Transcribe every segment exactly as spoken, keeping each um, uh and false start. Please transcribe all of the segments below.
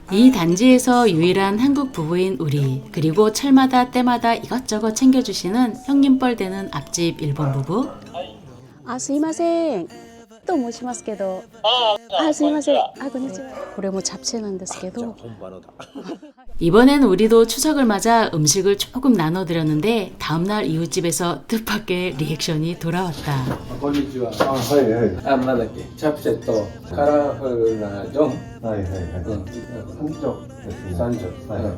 이 단지에서 유일한 한국 부부인 우리, 그리고 철마다 때마다 이것저것 챙겨주시는 형님뻘 되는 앞집 일본 부부. あ、すいません。と申しますけど。あ、すいません。あ、こんにちは。これも잡채なんですけど。 이번엔 우리도 추석을 맞아 음식을 조금 나눠드렸는데 다음날 이웃집에서 뜻밖의 리액션이 돌아왔다. こんにちは。 あ、はいはい。 あ、なんだっけ、チャプチェとカラフルなジョン。 はいはいはい。 うん。 三丁ですね。 三条。 はいうん。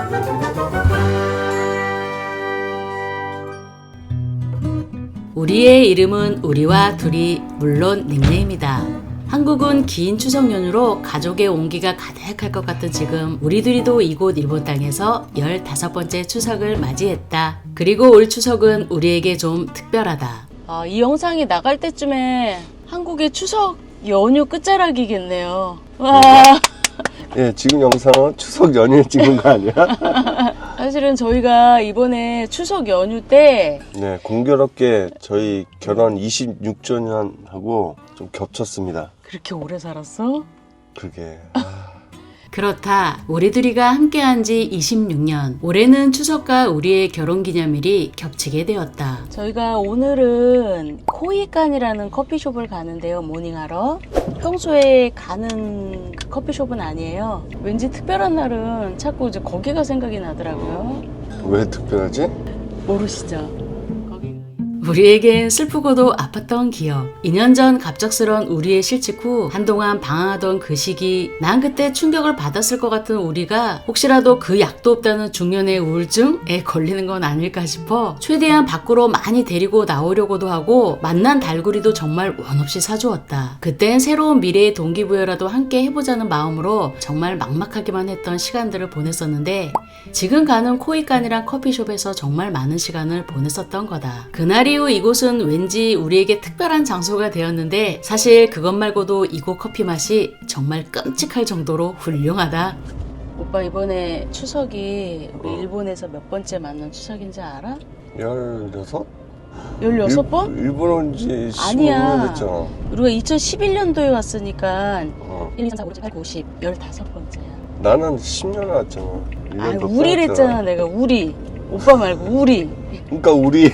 우리의 이름은 우리와 둘이, 물론 닉네임이다. 한국은 긴 추석 연휴로 가족의 온기가 가득할 것 같은 지금 우리 둘이도 이곳 일본 땅에서 열다섯 번째 추석을 맞이했다. 그리고 올 추석은 우리에게 좀 특별하다. 아, 이 영상이 나갈 때쯤에 한국의 추석 연휴 끝자락이겠네요. 와. 예, 지금 영상은 추석 연휴에 찍은 거 아니야? 사실은 저희가 이번에 추석 연휴 때 네, 공교롭게 저희 결혼 이십육 주년하고 좀 겹쳤습니다. 그렇게 오래 살았어? 그게 그렇다. 우리 둘이가 함께한 지 이십육 년. 올해는 추석과 우리의 결혼기념일이 겹치게 되었다. 저희가 오늘은 코이칸이라는 커피숍을 가는데요, 모닝하러. 평소에 가는 그 커피숍은 아니에요. 왠지 특별한 날은 자꾸 이제 거기가 생각이 나더라고요. 왜 특별하지? 모르시죠? 우리에겐 슬프고도 아팠던 기억. 이 년 전 갑작스런 우리의 실직 후 한동안 방황하던 그 시기, 난 그때 충격을 받았을 것 같은 우리가 혹시라도 그 약도 없다는 중년의 우울증에 걸리는 건 아닐까 싶어 최대한 밖으로 많이 데리고 나오려고도 하고 만난 달구리도 정말 원 없이 사주었다. 그땐 새로운 미래의 동기부여라도 함께 해보자는 마음으로 정말 막막하기만 했던 시간들을 보냈었는데 지금 가는 코이칸이란 커피숍에서 정말 많은 시간을 보냈었던 거다. 그날 이후 이곳은 왠지 우리에게 특별한 장소가 되었는데 사실 그것 말고도 이곳 커피 맛이 정말 끔찍할 정도로 훌륭하다. 오빠 이번에 추석이 우리 어. 일본에서 몇 번째 맞는 추석인지 알아? 열여섯? 열여섯 번? 일, 일본 온지 십오 아니야. 년 됐잖아. 우리가 이천십일 년도에 왔으니까 어. 일, 이, 삼, 사, 오, 육, 칠, 팔, 구, 십, 열다섯 번째야. 나는 십 년 왔잖아. 아, 우리랬잖아. 내가 우리. 오빠 말고 우리. 그러니까 우리.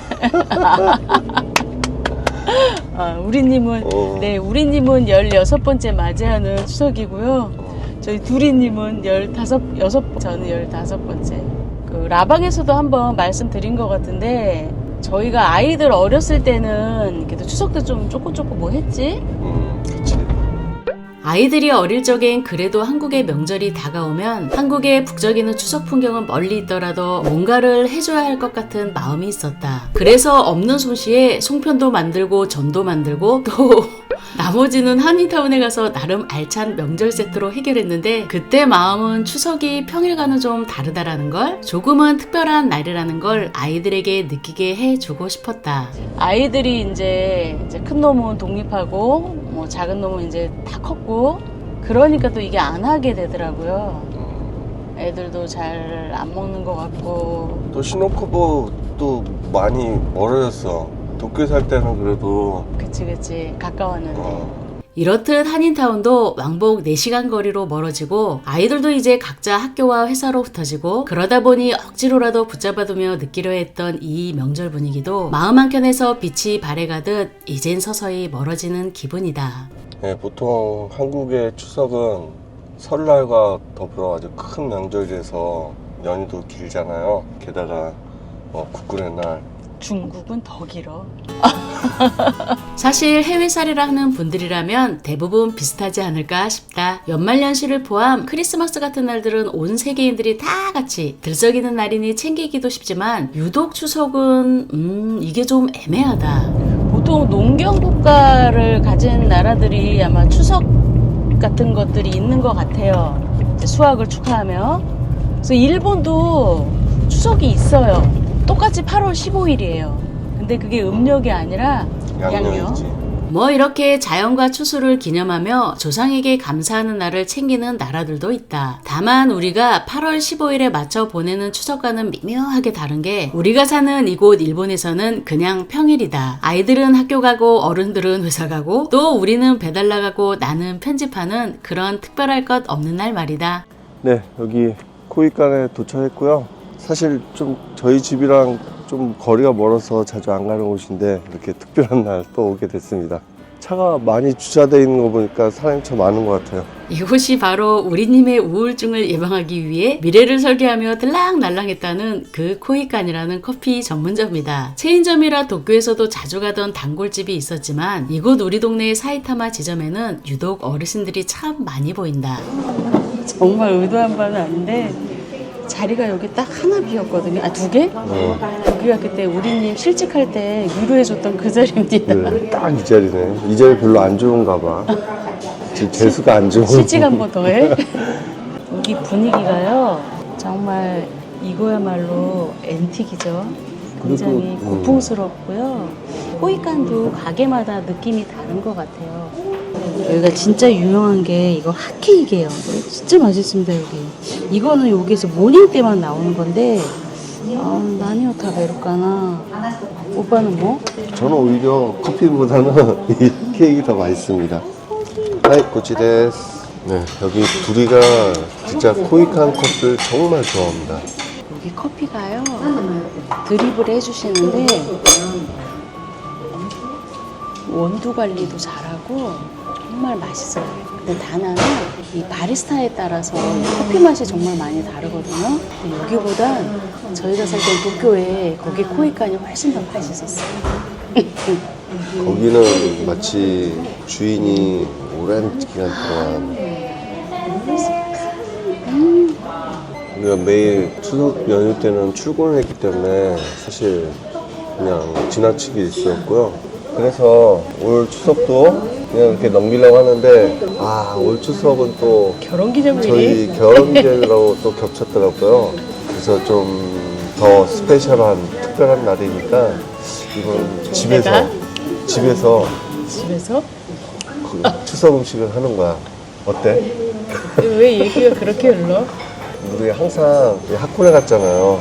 아, 우리님은 어. 네, 우리님은 열여섯 번째 맞이하는 추석이고요. 어. 저희 두리님은 열다섯, 여섯, 저는 열다섯 번째. 그 라방에서도 한번 말씀드린 것 같은데 저희가 아이들 어렸을 때는 그래도 추석 때 좀 조금 조금 뭐 했지? 음, 그치. 아이들이 어릴 적엔 그래도 한국의 명절이 다가오면 한국의 북적이는 추석 풍경은 멀리 있더라도 뭔가를 해줘야 할 것 같은 마음이 있었다. 그래서 없는 솜씨에 송편도 만들고 전도 만들고 또 나머지는 한인타운에 가서 나름 알찬 명절 세트로 해결했는데 그때 마음은 추석이 평일과는 좀 다르다라는 걸, 조금은 특별한 날이라는 걸 아이들에게 느끼게 해주고 싶었다. 아이들이 이제, 이제 큰 놈은 독립하고 뭐 작은 놈은 이제 다 컸고 그러니까 또 이게 안 하게 되더라고요. 애들도 잘 안 먹는 것 같고. 또 시노쿠보도 많이 멀어졌어. 도쿄 살 때는 그래도 그치 그치 가까웠는데. 어, 이렇듯 한인타운도 왕복 네 시간 거리로 멀어지고 아이들도 이제 각자 학교와 회사로 흩어지고 그러다 보니 억지로라도 붙잡아두며 느끼려 했던 이 명절 분위기도 마음 한켠에서 빛이 발해가듯 이젠 서서히 멀어지는 기분이다. 네, 보통 한국의 추석은 설날과 더불어 아주 큰 명절이라서 연휴도 길잖아요. 게다가 어, 국군의 날. 중국은 더 길어. 사실 해외살이라 하는 분들이라면 대부분 비슷하지 않을까 싶다. 연말연시를 포함 크리스마스 같은 날들은 온 세계인들이 다 같이 들썩이는 날이니 챙기기도 쉽지만 유독 추석은 음 이게 좀 애매하다. 보통 농경 국가를 가진 나라들이 아마 추석 같은 것들이 있는 것 같아요. 이제 수확을 축하하며. 그래서 일본도 추석이 있어요. 똑같이 팔월 십오일이에요. 근데 그게 음력이 아니라 양력. 양력이지. 뭐 이렇게 자연과 추수를 기념하며 조상에게 감사하는 날을 챙기는 나라들도 있다. 다만 우리가 팔월 십오일에 맞춰 보내는 추석과는 미묘하게 다른 게 우리가 사는 이곳 일본에서는 그냥 평일이다. 아이들은 학교 가고 어른들은 회사 가고 또 우리는 배달 나가고 나는 편집하는 그런 특별할 것 없는 날 말이다. 네, 여기 코이칸에 도착했고요. 사실 좀 저희 집이랑 좀 거리가 멀어서 자주 안 가는 곳인데 이렇게 특별한 날 또 오게 됐습니다. 차가 많이 주차되어 있는 거 보니까 사람이 참 많은 것 같아요. 이곳이 바로 우리님의 우울증을 예방하기 위해 미래를 설계하며 들락날락했다는 그 코이칸이라는 커피 전문점이다. 체인점이라 도쿄에서도 자주 가던 단골집이 있었지만 이곳 우리 동네의 사이타마 지점에는 유독 어르신들이 참 많이 보인다. 정말 의도한 바는 아닌데 자리가 여기 딱 하나 비었거든요. 아, 두 개? 어, 여기가 그때 우리님 실직할 때 위로해줬던 그 자리입니다. 네, 딱 이 자리네. 이 자리 별로 안 좋은가 봐. 지금 재수가 안 좋은. 실직 한 번 더 해? 여기 분위기가요. 정말 이거야말로 앤틱이죠. 굉장히 그리고, 음. 고풍스럽고요. 코이칸도 가게마다 느낌이 다른 것 같아요. 여기가 진짜 유명한 게 이거 핫케이크예요. 진짜 맛있습니다 여기. 이거는 여기서 모닝 때만 나오는 건데 아, 나니오타 베르까나. 오빠는 뭐? 저는 오히려 커피보다는 이 케이크 더 맛있습니다. 하이, 고치데스. 네, 여기 둘이가 진짜 코이칸 커피를 정말 좋아합니다. 여기 커피가요 드립을 해주시는데 원두 관리도 잘하고 정말 맛있어요. 근데 단 하나 이 바리스타에 따라서 커피 맛이 정말 많이 다르거든요. 근데 여기보단 저희가 살 땐 도쿄에 거기 코이칸이 훨씬 더 맛있었어요. 거기는 마치 주인이 오랜 기간 동안 우리가 매일 추석 연휴 때는 출근을 했기 때문에 사실 그냥 지나치게 있었고요. 그래서 올 추석도 그냥 이렇게 넘기려고 하는데 아, 올 추석은 또 결혼기념일이 저희 결혼기념일하고 또 겹쳤더라고요. 그래서 좀 더 스페셜한 특별한 날이니까 이번 집에서 내가? 집에서 집에서? 그 추석 음식을 하는 거야. 어때? 왜 얘기가 그렇게 흘러? 우리 항상 하코네 갔잖아요.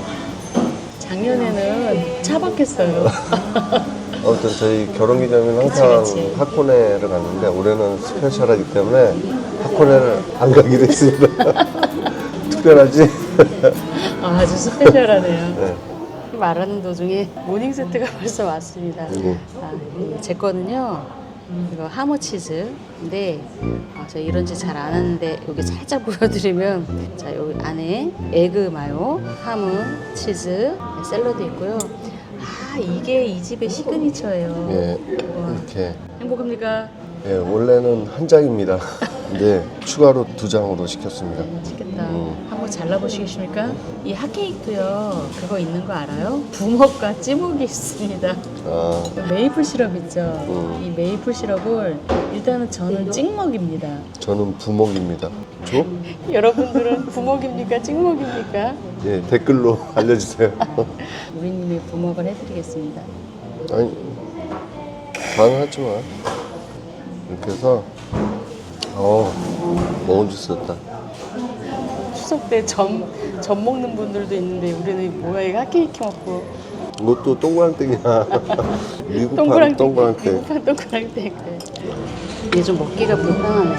작년에는 차박했어요. 아무튼 저희 결혼기념일은 항상 그치, 그치. 하코네를 갔는데 올해는 스페셜하기 때문에 하코네를 안 가기로 했습니다. 특별하지? 아, 아주 스페셜하네요. 네. 말하는 도중에 모닝 세트가 벌써 왔습니다. 음. 아, 이 제 거는요. 이거 하모 치즈인데 아, 제가 이런지 잘 안 하는데 여기 살짝 보여드리면 자 여기 안에 에그 마요, 하무, 치즈, 샐러드 있고요. 아 이게 이 집의 시그니처예요. 예, 와, 이렇게. 행복합니까? 예, 원래는 한 장입니다. 근데 추가로 두 장으로 시켰습니다. 맛있겠다. 음. 한번 잘라보시겠습니까? 이 핫케이크도요. 그거 있는 거 알아요? 부먹과 찌목이 있습니다. 아, 메이플 시럽 있죠? 음. 이 메이플 시럽을 일단은 저는 찍먹입니다. 저는 부먹입니다. 줘? 여러분들은 부먹입니까? 찍먹입니까? 예, 댓글로 알려주세요. 우리님의 부먹을 해드리겠습니다. 아니, 가능하지만 이렇게 해서 어, 먹은 줄 썼다. 추석 때 점, 점 먹는 분들도 있는데 우리는 뭐야 이거 핫케이크 먹고 이것도 동그랑땡이야. 미국판 동그랑땡 동그랑땡. 미국판 동그랑땡 이게 좀 먹기가 불편하네.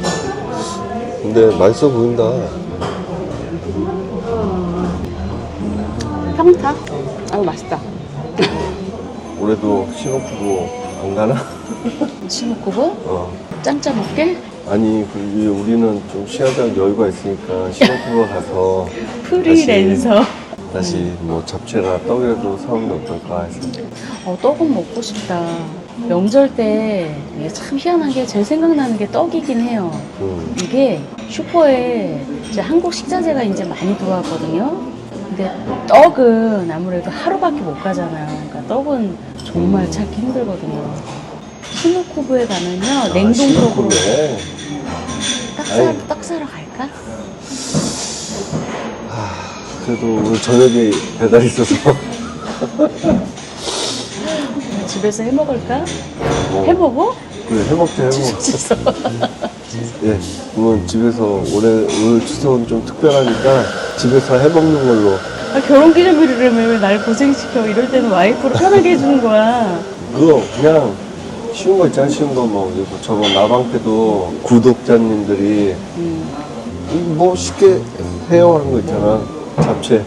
근데 맛있어 보인다. 평타? 아유 맛있다. 올해도 신혼부부 안 가나? 신혼부부? 어. 짱짜 먹게? 아니, 그 우리는 좀 시간적 여유가 있으니까 신혼부부 가서 프리랜서. 다시, 다시 뭐 잡채나 떡이라도 사오면 어떨까 해서. 어, 떡은 먹고 싶다. 명절 때 이게 참 희한한 게 제일 생각나는 게 떡이긴 해요. 음. 이게 슈퍼에 이제 한국 식자재가 이제 많이 들어왔거든요. 근데 떡은 아무래도 하루밖에 못 가잖아요. 그러니까 떡은 정말 찾기 힘들거든요. 시노쿠브에 가면요 냉동떡으로 아, 떡 사러, 떡 사러 갈까? 그래도 오늘 저녁에 배달 있어서 집에서 해 먹을까? 뭐, 해 먹어? 그래, 해먹자, 해먹. 예, 그러면 집에서 올해, 오늘 추석은 좀 특별하니까 집에서 해먹는 걸로. 아, 결혼 기념일이라며 왜 날 고생시켜. 이럴 때는 와이프를 편하게 해주는 거야. 그거 그냥 쉬운 거 있잖아, 쉬운 거. 뭐, 그리고 저번 나방 때도 구독자님들이 음. 뭐 쉽게 해요 하는 거 있잖아. 잡채.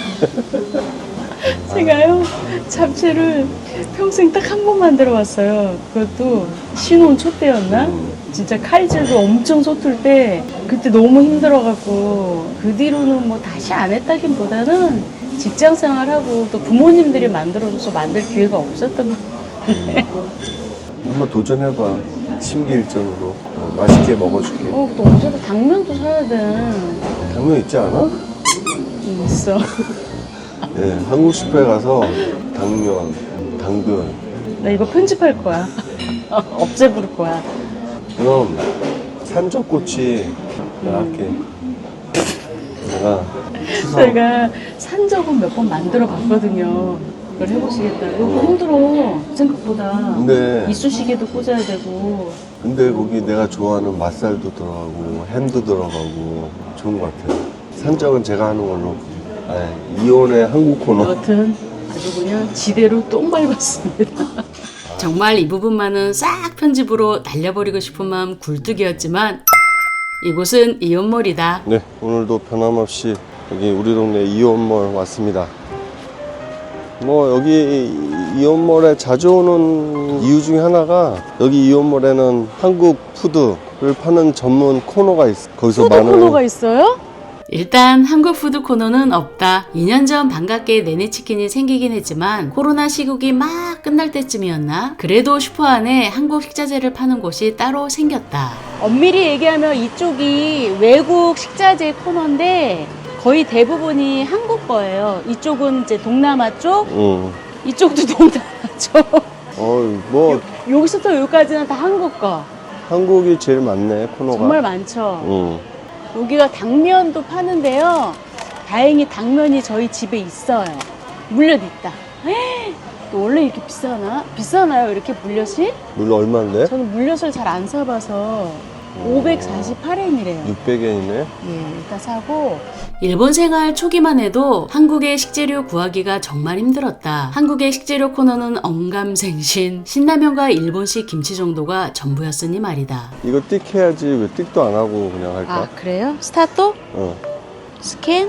제가요, 잡채를 평생 딱 한 번 만들어 봤어요. 그것도 신혼 초 때였나? 진짜 칼질도 엄청 서툴 때 그때 너무 힘들어갖고 그 뒤로는 뭐 다시 안 했다기보다는 직장 생활하고 또 부모님들이 만들어줘서 만들 기회가 없었던 것 같은데. 한번 도전해봐. 심기일전으로. 어, 맛있게 먹어줄게. 어, 또 어제도 당면도 사야 돼. 당면 있지 않아? 음, 있어. 예, 한국 슈퍼에 가서 당면, 당근. 나 이거 편집할 거야. 업체 부를 거야. 그럼 산적꼬치 내가 할게. 내가 추석 제가 산적은 몇 번 만들어 봤거든요. 그걸 해보시겠다. 이거 힘들어. 생각보다. 근데 이쑤시개도 꽂아야 되고. 근데 거기 내가 좋아하는 맛살도 들어가고 햄도 들어가고 좋은 것 같아요. 산적은 제가 하는 걸로. 아, 이온의 한국 코너. 여튼 아주 그냥 지대로 똥 밟았습니다. 정말 이 부분만은 싹 편집으로 날려버리고 싶은 마음 굴뚝이었지만 이곳은 이온몰이다. 네, 오늘도 변함없이 여기 우리 동네 이온몰 왔습니다. 뭐 여기 이온몰에 자주 오는 이유 중에 하나가 여기 이온몰에는 한국 푸드를 파는 전문 코너가 있어. 거기서 푸드 많은 코너가 있어요? 일단 한국 푸드 코너는 없다. 이 년 전 반갑게 내내치킨이 생기긴 했지만 코로나 시국이 막 끝날 때쯤이었나? 그래도 슈퍼 안에 한국 식자재를 파는 곳이 따로 생겼다. 엄밀히 얘기하면 이쪽이 외국 식자재 코너인데 거의 대부분이 한국 거예요. 이쪽은 이제 동남아 쪽, 응. 이쪽도 동남아 쪽. 어, 뭐 여기서부터 여기까지는 다 한국 거. 한국이 제일 많네 코너가. 정말 많죠. 응. 여기가 당면도 파는데요. 다행히 당면이 저희 집에 있어요. 물엿 있다. 에이, 또 원래 이렇게 비싸나? 비싸나요? 이렇게 물엿이? 물 얼마인데? 저는 물엿을 잘 안 사봐서 오백사십팔 엔이래요. 육백 엔이네. 예, 일단 사고. 일본 생활 초기만 해도 한국의 식재료 구하기가 정말 힘들었다. 한국의 식재료 코너는 언감생신, 신라면과 일본식 김치 정도가 전부였으니 말이다. 이거 띡 해야지 왜 띡도 안 하고 그냥 할까? 아, 그래요? 스타트? 어. 스캔?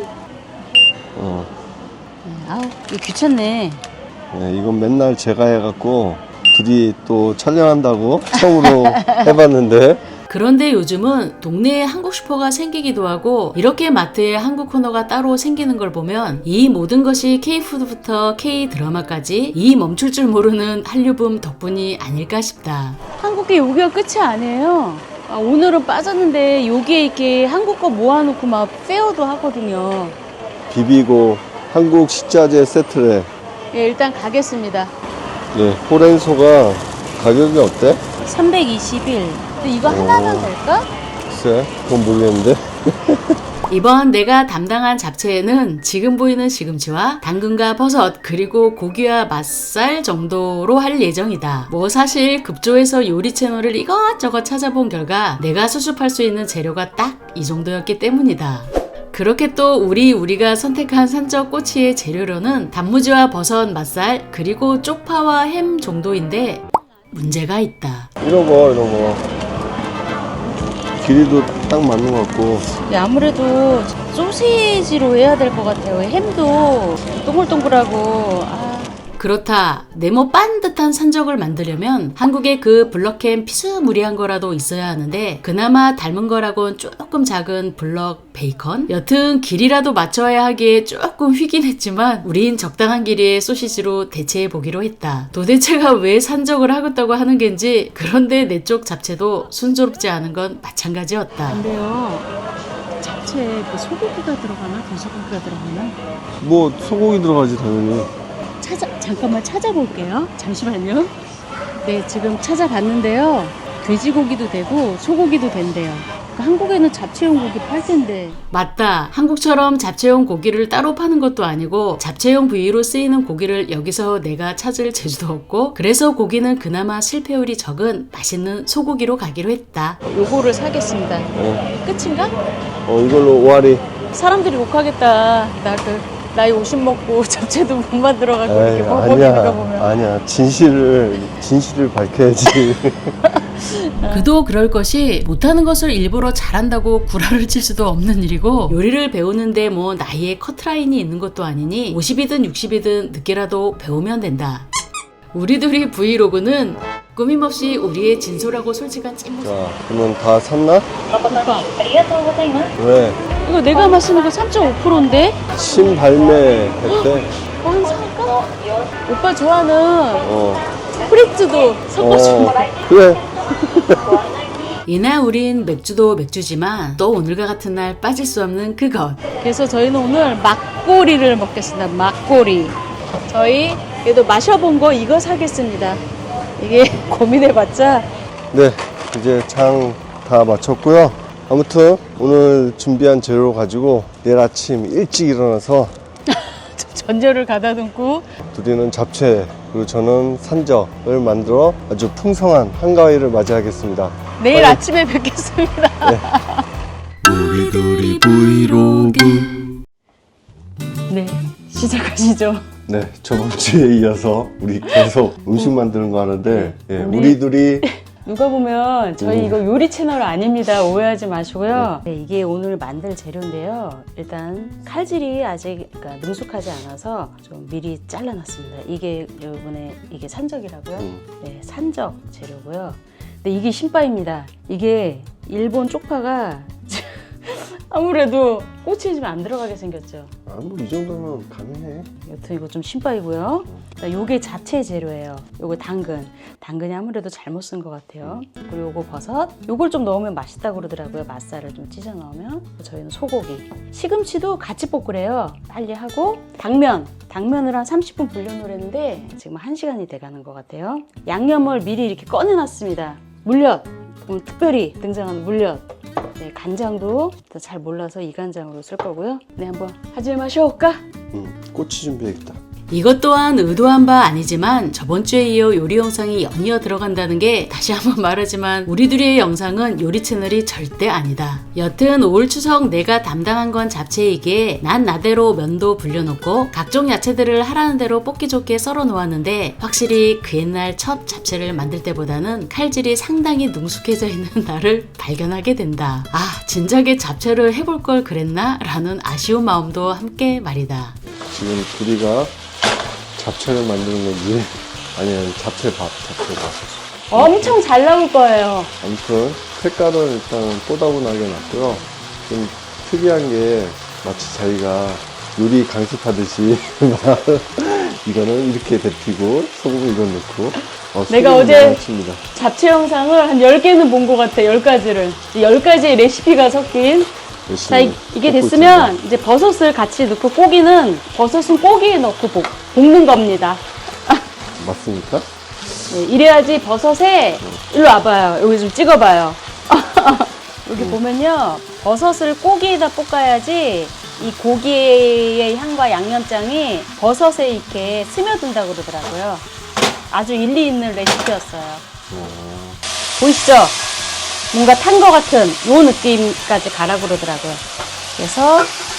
어. 네, 아우, 이거 귀찮네. 네, 이건 맨날 제가 해갖고 둘이 또 촬영한다고 처음으로 해봤는데 그런데 요즘은 동네에 한국 슈퍼가 생기기도 하고 이렇게 마트에 한국 코너가 따로 생기는 걸 보면 이 모든 것이 K푸드부터 K드라마까지 이 멈출 줄 모르는 한류붐 덕분이 아닐까 싶다. 한국계 여기가 끝이 아니에요. 아, 오늘은 빠졌는데 여기에 이렇게 한국 거 모아놓고 막 페어도 하거든요. 비비고 한국 식자재 세트래. 예, 일단 가겠습니다. 네, 호랭소가 가격이 어때? 삼백이십일. 근데 이거 하나면 될까? 글쎄, 그건 모르겠는데. 이번 내가 담당한 잡채에는 지금 보이는 시금치와 당근과 버섯 그리고 고기와 맛살 정도로 할 예정이다. 뭐 사실 급조해서 요리 채널을 이것저것 찾아본 결과 내가 수습할 수 있는 재료가 딱 이 정도였기 때문이다. 그렇게 또 우리 우리가 선택한 산적 꼬치의 재료로는 단무지와 버섯, 맛살 그리고 쪽파와 햄 정도인데 문제가 있다. 이런 거, 이런 거. 길이도 딱 맞는 것 같고. 예, 아무래도 소시지로 해야 될 것 같아요. 햄도 동글동글하고. 아, 그렇다. 네모 반듯한 산적을 만들려면 한국의 그 블럭햄 피스무리한 거라도 있어야 하는데 그나마 닮은 거라곤 조금 작은 블럭 베이컨? 여튼 길이라도 맞춰야 하기에 조금 휘긴 했지만 우린 적당한 길이의 소시지로 대체해 보기로 했다. 도대체가 왜 산적을 하겠다고 하는 겐지 그런데 내 쪽 잡채도 순조롭지 않은 건 마찬가지였다. 근데요. 잡채에 그 소고기가 들어가나? 돼지고기가 들어가나? 뭐, 소고기 들어가지, 당연히. 찾아, 잠깐만 찾아볼게요. 잠시만요. 네, 지금 찾아봤는데요. 돼지고기도 되고 소고기도 된대요. 한국에는 잡채용 고기 팔 텐데. 맞다. 한국처럼 잡채용 고기를 따로 파는 것도 아니고 잡채용 부위로 쓰이는 고기를 여기서 내가 찾을 재주도 없고 그래서 고기는 그나마 실패율이 적은 맛있는 소고기로 가기로 했다. 요거를 사겠습니다. 어, 끝인가? 어 이걸로 오아리. 사람들이 욕하겠다. 나를 나이 오십 먹고 잡채도 못 만들어가지고 에이, 이렇게 버벅이는 거 아니야, 보면. 아니야. 진실을 진실을 밝혀야지. 그도 그럴 것이 못하는 것을 일부러 잘한다고 구라를 칠 수도 없는 일이고 요리를 배우는데 뭐 나이에 커트라인이 있는 것도 아니니 오십이든 육십이든 늦게라도 배우면 된다. 우리 둘이 브이로그는 꾸밈없이 우리의 진솔하고 솔직한 찐모습. 자, 그러면 다 샀나? 오빠, 왜? 이거 내가 마시는 거 삼 점 오 퍼센트인데? 신발매했대. 어, 한 살까? 오빠 좋아하는 어. 프리츠도 섞어줘. 어. 그래. 이날 우린 맥주도 맥주지만 또 오늘과 같은 날 빠질 수 없는 그것. 그래서 저희는 오늘 막고리를 먹겠습니다. 막고리. 저희 그래도 마셔본 거 이거 사겠습니다. 이게 고민해봤자 네, 이제 장 다 마쳤고요. 아무튼 오늘 준비한 재료 가지고 내일 아침 일찍 일어나서 전절을 가다 놓고 둘이는 잡채 그리고 저는 산적을 만들어 아주 풍성한 한가위를 맞이하겠습니다. 내일 빨리. 아침에 뵙겠습니다. 우리 둘이 브이로그. 네, 시작하시죠. 네, 저번 주에 이어서 우리 계속 음식 만드는 거 하는데 예, 우리- 우리 둘이 누가 보면 저희 음. 이거 요리 채널 아닙니다. 오해하지 마시고요. 네, 이게 오늘 만들 재료인데요. 일단 칼질이 아직 그러니까 능숙하지 않아서 좀 미리 잘라놨습니다. 이게 이번에 이게 산적이라고요. 음. 네, 산적 재료고요. 근데 이게 신바입니다. 이게 일본 쪽파가 아무래도 꼬치에 좀 안 들어가게 생겼죠. 아, 뭐 이 정도면 가능해. 여튼 이거 좀 신바이고요. 요게 잡채 재료예요. 요거 당근. 당근이 아무래도 잘못 쓴 것 같아요. 그리고 요거 버섯. 요걸 좀 넣으면 맛있다고 그러더라고요. 맛살을 좀 찢어 넣으면. 저희는 소고기. 시금치도 같이 볶으래요. 빨리 하고 당면. 당면을 한 삼십 분 불려놓으랬는데 지금 한 시간이 돼가는 것 같아요. 양념을 미리 이렇게 꺼내놨습니다. 물엿. 오늘 특별히 등장하는 물엿. 네, 간장도 잘 몰라서 이 간장으로 쓸 거고요. 네, 한번 하질 마셔볼까? 음, 꼬치 준비해야겠다. 이것 또한 의도한 바 아니지만 저번 주에 이어 요리 영상이 연이어 들어간다는 게 다시 한번 말하지만 우리 둘의 영상은 요리 채널이 절대 아니다. 여튼 올 추석 내가 담당한 건 잡채이기에 난 나대로 면도 불려놓고 각종 야채들을 하라는 대로 뽑기 좋게 썰어 놓았는데 확실히 그 옛날 첫 잡채를 만들 때보다는 칼질이 상당히 능숙해져 있는 나를 발견하게 된다. 아, 진작에 잡채를 해볼 걸 그랬나? 라는 아쉬운 마음도 함께 말이다. 지금 둘이가 잡채를 만드는 건지 아니면 잡채밥, 잡채밥. 엄청 잘 나올 거예요. 아무튼 색깔은 일단 뽀다분하게 났고요. 좀 특이한 게 마치 자기가 요리 강습하듯이 이거는 이렇게 데피고 소금 이건 넣고 어, 내가 소금이 어제 많습니다. 잡채 영상을 한 열 개는 본 것 같아. 열 가지를. 열 가지의 레시피가 섞인. 자, 이, 이게 볶고 됐으면 있습니다. 이제 버섯을 같이 넣고 고기는 버섯은 고기에 넣고 볶, 볶는 겁니다. 맞습니까? 네, 이래야지 버섯에 일로 와봐요. 여기 좀 찍어봐요. 여기 보면요, 버섯을 고기에다 볶아야지 이 고기의 향과 양념장이 버섯에 이렇게 스며든다고 그러더라고요. 아주 일리 있는 레시피였어요. 보이시죠? 뭔가 탄 것 같은 요 느낌까지 가라 그러더라고요. 그래서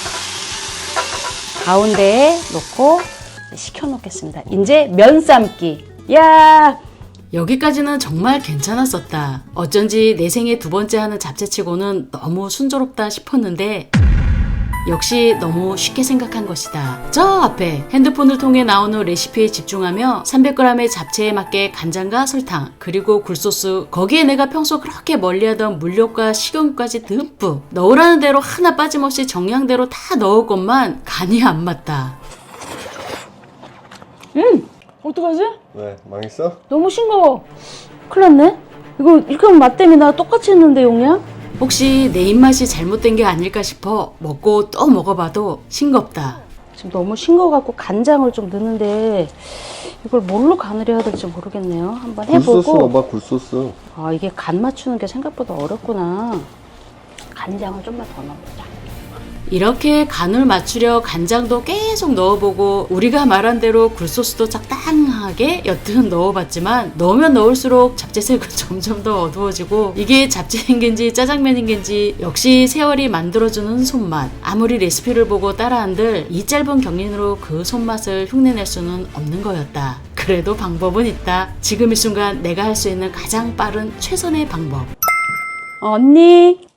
가운데에 놓고 식혀 놓겠습니다. 이제 면 삶기. 야, 여기까지는 정말 괜찮았었다. 어쩐지 내 생애 두 번째 하는 잡채치고는 너무 순조롭다 싶었는데 역시 너무 쉽게 생각한 것이다. 저 앞에 핸드폰을 통해 나오는 레시피에 집중하며 삼백 그램의 잡채에 맞게 간장과 설탕 그리고 굴소스 거기에 내가 평소 그렇게 멀리하던 물엿과 식용유까지 듬뿍 넣으라는 대로 하나 빠짐없이 정량대로 다 넣을 것만 간이 안 맞다. 음, 어떡하지? 왜? 망했어? 너무 싱거워. 큰일 났네. 이거 이렇게 하면 맛 때문에 나 똑같이 했는데 용량? 혹시 내 입맛이 잘못된 게 아닐까 싶어 먹고 또 먹어봐도 싱겁다. 지금 너무 싱거워갖고 간장을 좀 넣는데 이걸 뭘로 간을 해야 될지 모르겠네요. 한번 굴소스 해보고. 넣어봐, 굴소스. 아, 이게 간 맞추는 게 생각보다 어렵구나. 간장을 좀만 더 넣어보자. 이렇게 간을 맞추려 간장도 계속 넣어보고 우리가 말한 대로 굴소스도 적당하게 여튼 넣어봤지만 넣으면 넣을수록 잡채색은 점점 더 어두워지고 이게 잡채인겐지 짜장면인겐지 역시 세월이 만들어주는 손맛. 아무리 레시피를 보고 따라한들 이 짧은 경륜으로 그 손맛을 흉내낼 수는 없는 거였다. 그래도 방법은 있다. 지금 이 순간 내가 할 수 있는 가장 빠른 최선의 방법. 어, 언니.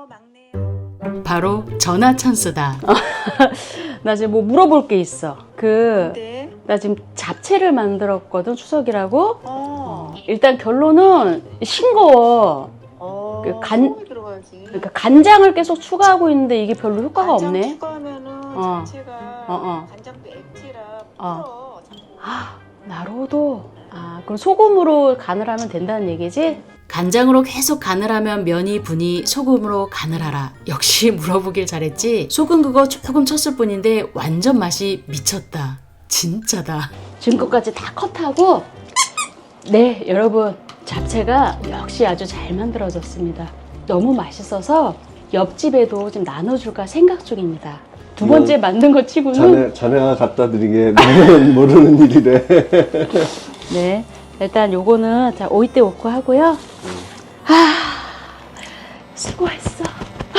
바로 전화 찬스다. 나 지금 뭐 물어볼 게 있어. 그, 네. 나 지금 잡채를 만들었거든, 추석이라고. 어. 일단 결론은 싱거워. 어. 그 간- 소금이 들어가지. 그러니까 간장을 계속 추가하고 있는데 이게 별로 효과가 간장 없네. 추가하면은 어. 자체가 어, 어. 간장도 액체라 어. 풀어. 아, 나로도. 아, 그럼 소금으로 간을 하면 된다는 얘기지? 간장으로 계속 간을 하면 면이 부니 소금으로 간을 하라. 역시 물어보길 잘했지. 소금 그거 조금 쳤을 뿐인데 완전 맛이 미쳤다. 진짜다. 지금까지 다 컷하고. 네, 여러분. 잡채가 역시 아주 잘 만들어졌습니다. 너무 맛있어서 옆집에도 좀 나눠줄까 생각 중입니다. 두 번째 만든 거 치고는. 자네, 자네가 갖다 드리게 나는 모르는 일이래. 네. 일단 요거는 자 오이때 오고 하고요. 아, 수고했어.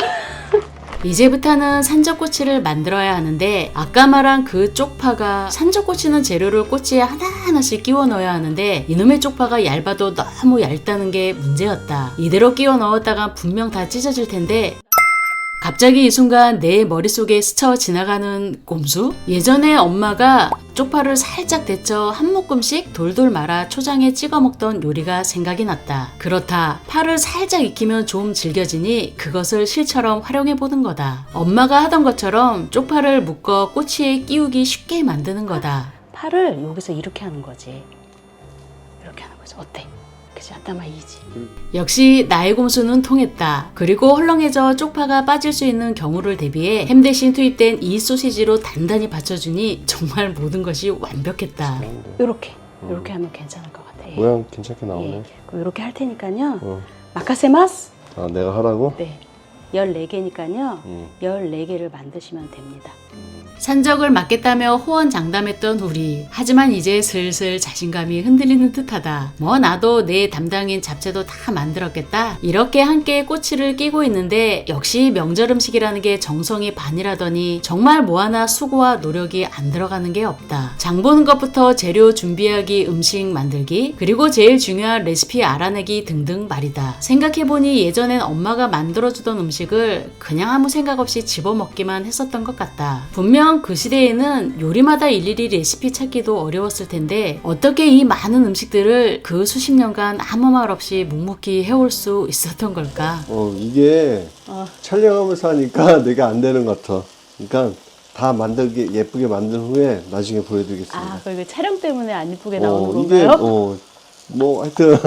이제부터는 산적꼬치를 만들어야 하는데 아까 말한 그 쪽파가 산적꼬치는 재료를 꼬치에 하나하나씩 끼워 넣어야 하는데 이놈의 쪽파가 얇아도 너무 얇다는 게 문제였다. 이대로 끼워 넣었다가 분명 다 찢어질 텐데 갑자기 이 순간 내 머릿속에 스쳐 지나가는 꼼수? 예전에 엄마가 쪽파를 살짝 데쳐 한 묶음씩 돌돌 말아 초장에 찍어 먹던 요리가 생각이 났다. 그렇다. 파를 살짝 익히면 좀 질겨지니 그것을 실처럼 활용해 보는 거다. 엄마가 하던 것처럼 쪽파를 묶어 꼬치에 끼우기 쉽게 만드는 거다. 파를 여기서 이렇게 하는 거지. 이렇게 하는 거지. 어때? 그치? 아따마 이지. 역시 나의 곰수는 통했다. 그리고 헐렁해져 쪽파가 빠질 수 있는 경우를 대비해 햄 대신 투입된 이 소시지로 단단히 받쳐주니 정말 모든 것이 완벽했다. 이렇게. 이렇게 하면 괜찮을 것 같아. 예. 모양 괜찮게 나오네. 예. 그럼 이렇게 할 테니까요. 어. 마카세마스. 아, 내가 하라고? 네. 열네 개니까요. 응. 열네 개를 만드시면 됩니다. 산적을 맡겠다며 호언장담했던 우리. 하지만 이제 슬슬 자신감이 흔들리는 듯하다. 뭐 나도 내 담당인 잡채도 다 만들었겠다. 이렇게 함께 꼬치를 끼고 있는데 역시 명절 음식이라는 게 정성이 반이라더니 정말 뭐 하나 수고와 노력이 안 들어가는 게 없다. 장 보는 것부터 재료 준비하기, 음식 만들기, 그리고 제일 중요한 레시피 알아내기 등등 말이다. 생각해보니 예전엔 엄마가 만들어주던 음식을 그냥 아무 생각 없이 집어먹기만 했었던 것 같다. 분명 그 시대에는 요리마다 일일이 레시피 찾기도 어려웠을 텐데 어떻게 이 많은 음식들을 그 수십 년간 아무 말 없이 묵묵히 해올 수 있었던 걸까? 어, 이게 어. 촬영하면서 하니까 내가 안 되는 것 같아. 그러니까 다 만들게 예쁘게 만든 후에 나중에 보여드리겠습니다. 아, 그리고 촬영 때문에 안 이쁘게 어, 나오는 이게 건가요? 어, 뭐 하여튼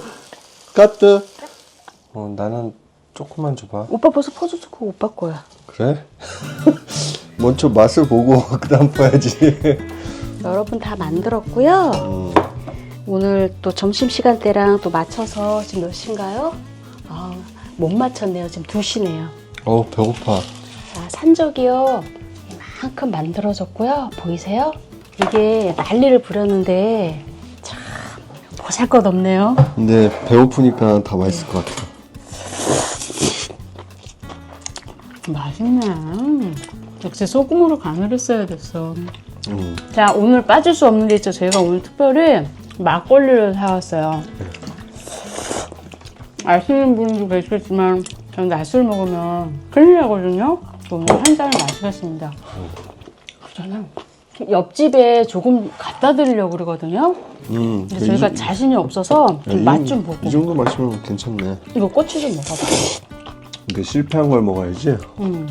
까뜨. 어, 나는 조금만 줘봐. 오빠 벌써 퍼줬어. 그거 오빠 거야. 그래? 먼저 맛을 보고 그다음 봐야지. 여러분 다 만들었고요. 음. 오늘 또 점심시간 대랑 또 맞춰서 지금 몇 시인가요? 아, 못 맞췄네요. 지금 두 시네요. 어, 배고파. 자, 산적이요. 이만큼 만들어졌고요. 보이세요? 이게 난리를 부렸는데 참 보잘것없네요. 근데 배고프니까 다 맛있을 것 같아. 맛있네. 역시 소금으로 간을 했어야 됐어. 음. 자, 오늘 빠질 수 없는 게 있죠. 저희가 오늘 특별히 막걸리를 사왔어요. 아시는 분도 계시겠지만 저는 낮술 먹으면 큰일 나거든요. 오늘 한 잔을 마시겠습니다. 저는 옆집에 조금 갖다 드리려고 그러거든요. 음. 근데 저희가 이- 자신이 없어서 야, 이- 맛 좀 보고. 이 정도 마시면 괜찮네. 이거 꼬치 좀 먹어봐. 이게 실패한 걸 먹어야지. 음.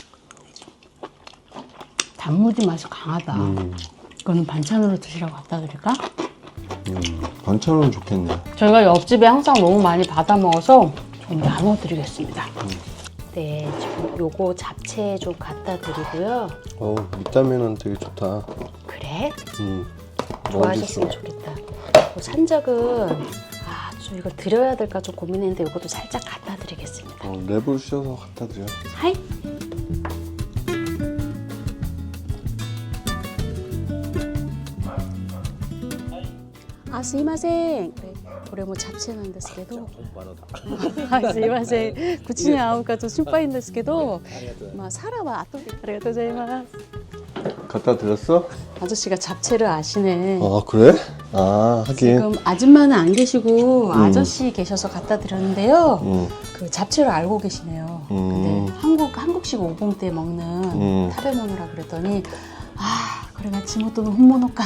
단무지 맛이 강하다. 음. 이거는 반찬으로 드시라고 갖다 드릴까? 음. 반찬은 좋겠네. 저희가 옆집에 항상 너무 많이 받아 먹어서 좀 나눠드리겠습니다. 네, 지금 요거 잡채 좀 갖다 드리고요. 어, 비타민은 되게 좋다. 그래? 음. 좋아하셨으면 좋겠다. 요 산적은 아, 좀 이걸 드려야 될까 좀 고민했는데 요것도 살짝 갖다 드리겠습니다. 어, 랩을 씌워서 갖다 드려. 하이. 아, 스이마셍. 그래,これもチャプチェなんですけど。はい、すいません。口に合うかと心配ですけど、まあサラは後で。ありがとうございます。 갖다 드렸어? 아저씨가 잡채를 아시네. 아 그래? 아 하긴. 지금 아줌마는 안 계시고 아저씨 계셔서 갖다 드렸는데요. 음. 그 잡채를 알고 계시네요. 음. 근데 한국 한국식 오봉 때 먹는 음. 타베모노라 그랬더니 아 그래가 지모토는 혼모노까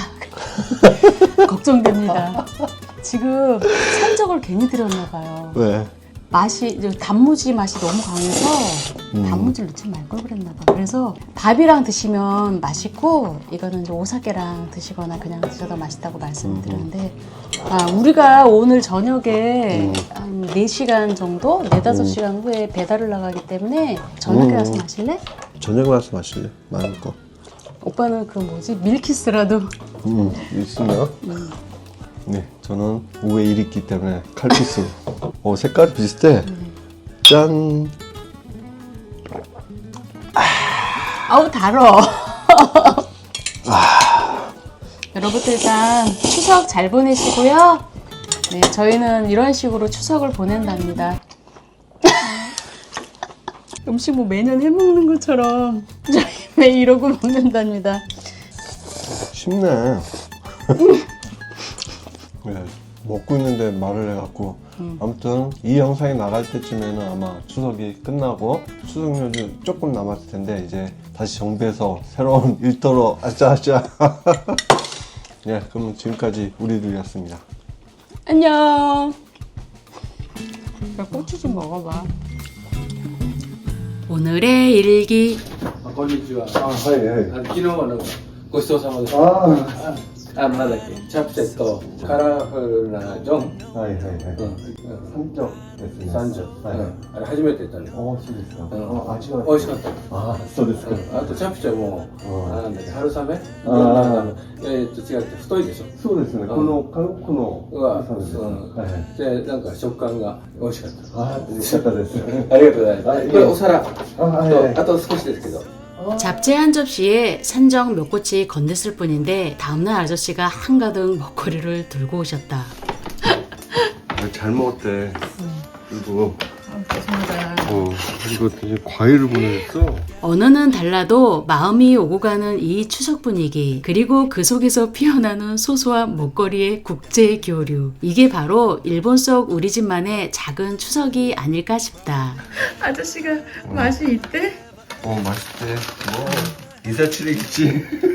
걱정됩니다. 지금 산적을 괜히 들였나 봐요. 왜? 맛이 이제 단무지 맛이 너무 강해서 음. 단무지를 넣지 말 걸 그랬나 봐. 그래서 밥이랑 드시면 맛있고 이거는 이제 오사케랑 드시거나 그냥 드셔도 맛있다고 말씀을 드렸는데 아 우리가 오늘 저녁에 음. 한 네 시간 정도, 네다섯 시간 후에 배달을 나가기 때문에 저녁에 음. 와서 마실래? 저녁에 와서 마실래? 많을 거. 오빠는 그 뭐지 밀키스라도 음 있으면. 음. 네, 저는 오후에 일이 있기 때문에 칼피스. 어, 색깔이 비슷해. 짠. 아우 달어. 여러분들 일단 추석 잘 보내시고요. 네, 저희는 이런 식으로 추석을 보낸답니다. 음식 뭐 매년 해먹는 것처럼 저희 매일 이러고 먹는답니다. 쉽네. 네, 먹고 있는데 말을 해갖고. 음. 아무튼 이 영상이 나갈 때쯤에는 아마 추석이 끝나고 추석 연휴 조금 남았을 텐데 이제 다시 정비해서 새로운 일터로 아짜아짜. 네, 그러면 지금까지 우리들이었습니다. 안녕. 야, 고추 좀 먹어봐. 오늘의 일기. あこんにちは。 あ、はいはい。 あの昨日はなんかごちそうさまでした。 ああ、あのなんだっけ、チャプチェット、カラフルなジョン、 はいはいはい。 うん、 三条ですね。 三条、 はい。 うん、あれ初めて行ったね。 おいしいですか。 うん、 あ、味は美味しかった。 あ、そうですか。 うん、あとチャプチェも、 うんあなんだっけ、春雨、 あなんかえー、と違って太いでしょ。 そうですね。この韓国のうわ、 そうです。 うんはいはい。 でなんか食感が美味しかった。 あ、美味しかったです。 ありがとうございます。 はいこれお皿、 あ、はいはい。 とあと少しですけど。 잡채 한 접시에 산적 몇 꼬치 건넸을 뿐인데 다음날 아저씨가 한가득 먹거리를 들고 오셨다. 잘 먹었대. 그리고 아, 죄송하다. 어 그리고 되게 과일을 보내줬어. 언어는 달라도 마음이 오고 가는 이 추석 분위기 그리고 그 속에서 피어나는 소소한 먹거리의 국제 교류 이게 바로 일본 속 우리 집만의 작은 추석이 아닐까 싶다. 아저씨가 맛이 있대? 어 맛있대. 뭐 이사칠이겠지.